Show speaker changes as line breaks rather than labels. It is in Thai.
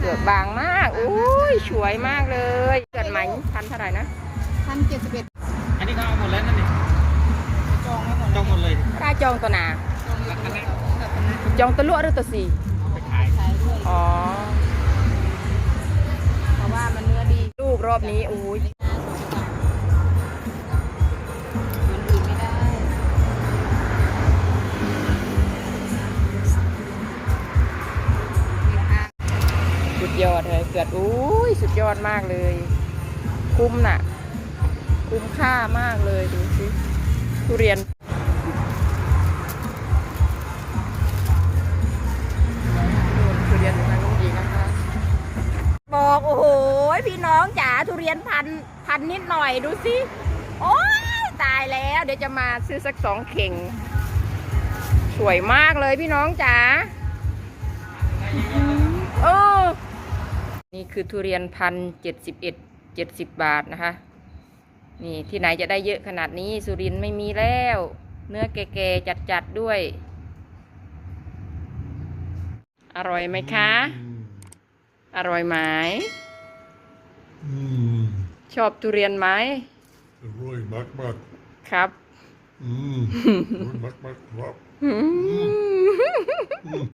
ลือกบางมากอุ้ยสวยมากเลยเกิดไหมพันเท่าไหร่นะ
1,071
อันนี้เขาเอาหมดแล้วนั่นนี่จองหมดเลย
กล้าจองตัวหนา
ราคานี้
จองตัวลวดหรือตัวสี่
ไปขาย
ขายด้วย
อ๋อ
เพราะว่ามันเนื้อดี
ลูกรอบนี้อุ้ย
มันอื่นไม่ได้
สุดยอดเลยเกิดอุ้ยสุดยอดมากเลย คุ้มน่ะ คุ้มค่ามากเลยดูสิทุเรียนทุเรียนทางน้องหญิงนะคะบอกโอ้โหพี่น้องจ๋าทุเรียนพันนิดหน่อยดูสิโอ้ยตายแล้วเดี๋ยวจะมาซื้อสัก2 เข่งสวยมากเลยพี่น้องจ๋าเออนี่คือทุเรียน1,071 70 บาทนะคะนี่ที่ไหนจะได้เยอะขนาดนี้สุรินทร์ไม่มีแล้ว เนื้อแก่ๆจัดๆด้วย อร่อยไหมคะ อร่อยไหมชอบทุเรียนไหม
Roy, maak maar.
ครับ
Roy, maak maar. Wap.